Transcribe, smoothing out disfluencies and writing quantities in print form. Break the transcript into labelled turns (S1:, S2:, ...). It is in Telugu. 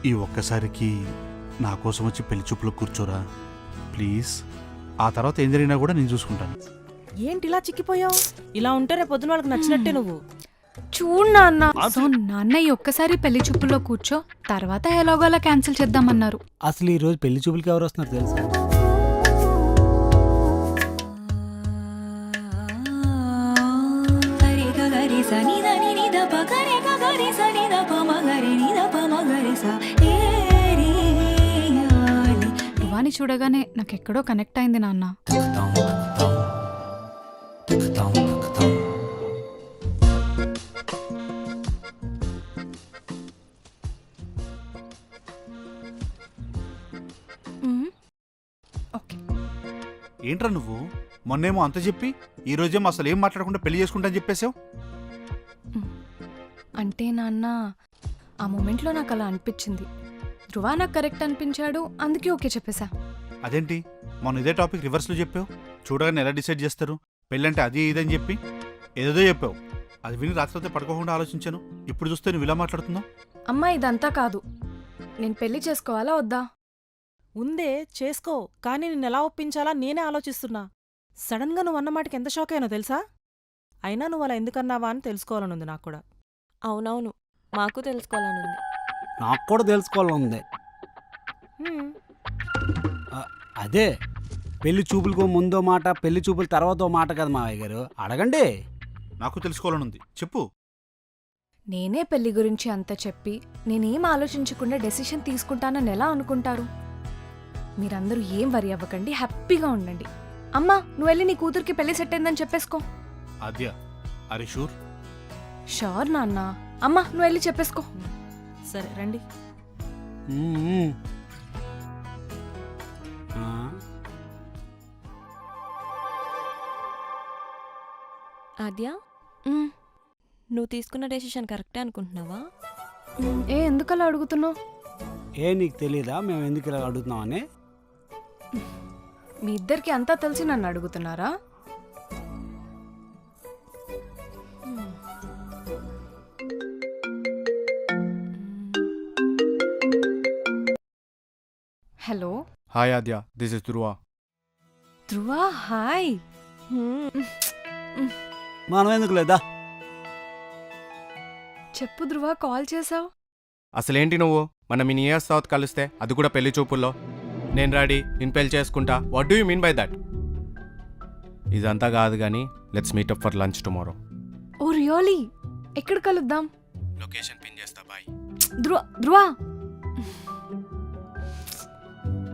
S1: ఈ ఒక్కసారికి నా కోసం వచ్చి పెళ్లి చూపులో కూర్చోరా ప్లీజ్. ఆ తర్వాత ఏం జరిగినా కూడా నేను చూసుకుంటాను.
S2: ఏంటి ఇలా చిక్కిపోయావు? ఇలా ఉంటే రేపు పొద్దున వాళ్ళకి నచ్చినట్టే నువ్వు.
S3: చూడు నాన్న. సో నాన్న ఈ ఒక్కసారి పెళ్లి చూపుల్లో కూర్చో, తర్వాత ఎలాగోలా క్యాన్సిల్ చేద్దామన్నారు.
S4: అసలు ఈ రోజు పెళ్లి చూపులకి ఎవరు వస్తున్నారు తెలుసా?
S3: ధ్రువాని చూడగానే నాకెక్కడో కనెక్ట్ అయింది నాన్న.
S1: ఏంట్రా నువ్వు మొన్నేమో అంత చెప్పి ఈ రోజేమో అసలు ఏం మాట్లాడకుండా పెళ్లి చేసుకుంటా అని చెప్పేసావు.
S3: అంటే నాన్న ఆ మూమెంట్లో నాకు అలా అనిపించింది. ధ్రువ నాకు కరెక్ట్ అనిపించాడు, అందుకే ఓకే చెప్పేశా.
S1: అదేంటి మొన్న ఇదే టాపిక్ రివర్స్లో చెప్పావు? చూడగానే ఎలా డిసైడ్ చేస్తారు పెళ్ళంటే అది ఇదని చెప్పి ఏదేదో చెప్పావు. అది విని రాత్రి పడుకోకుండా ఆలోచించాను. ఇప్పుడు చూస్తే నువ్వు ఇలా మాట్లాడుతున్నావు.
S3: అమ్మా ఇదంతా కాదు, నేను పెళ్లి చేసుకోవాలా వద్దా?
S2: ఉందే చేసుకో, కానీ నిన్ను ఎలా ఒప్పించాలా నేనే ఆలోచిస్తున్నా. సడన్గా నువ్వు అన్నమాటకి ఎంత షాక్ అయ్యానో తెలుసా? అయినా నువ్వు అలా ఎందుకన్నావా అని తెలుసుకోవాలనుంది నాకు కూడా.
S5: అవునవును, మాకు తెలుసుకోవాలనుంది.
S4: నాకు కూడా తెలుసుకోవాలనుంది. అదే పెళ్లి చూపులకు ముందో మాట, పెళ్లి చూపుల తర్వాత మాట కదా మావయ్య గారు. అడగండి.
S1: నాకు తెలుసుకోవాలనుంది, చెప్పు.
S3: నేనే పెళ్లి గురించి అంత చెప్పి నేనేం ఆలోచించకుండా డెసిషన్ తీసుకుంటానని ఎలా అనుకుంటారు? మీరందరూ ఏం వరి అవ్వకండి, హ్యాపీగా ఉండండి. అమ్మా నువ్వు వెళ్ళి నీ కూతురికి పెళ్లి సెట్ అయిందని చెప్పేసుకో.
S1: ఆద్య, అరే షూర్?
S3: షూర్ నాన్న. అమ్మా నువ్వు వెళ్ళి చెప్పేసుకో.
S2: సరే రండి.
S5: ఆద్య, నువ్వు తీసుకున్న డెసిషన్ కరెక్టే అనుకుంటున్నావా?
S3: ఎందుకలా అడుగుతున్నావు?
S4: నీకు తెలీదా మేము ఎందుకు ఇలా అడుగుతున్నామని?
S3: మీ ఇద్దరికి అంతా తెలిసి నన్ను అడుగుతున్నారా? Hello.
S6: Hi Aadya, this is Dhruva.
S3: Dhruva hi.
S4: మనం ఎందుకు లేదా?
S3: చెప్పు ధ్రువ, కాల్ చేసావు.
S6: అసలేంటి నువ్వు మనం ఇన్ ఇయర్స్ తర్వాత కలిస్తే అది కూడా పెళ్లి చూపుల్లో? నేను రెడీ, నేను పెళ్లి చేసుకుంటా. What do you mean by that? ఇదంతా కాదు కానీ let's meet up for lunch tomorrow.
S3: Oh really? ఎక్కడ కలుద్దాం?
S6: లొకేషన్ పిన్ చేస్తా. బాయ్.
S3: ధ్రువ.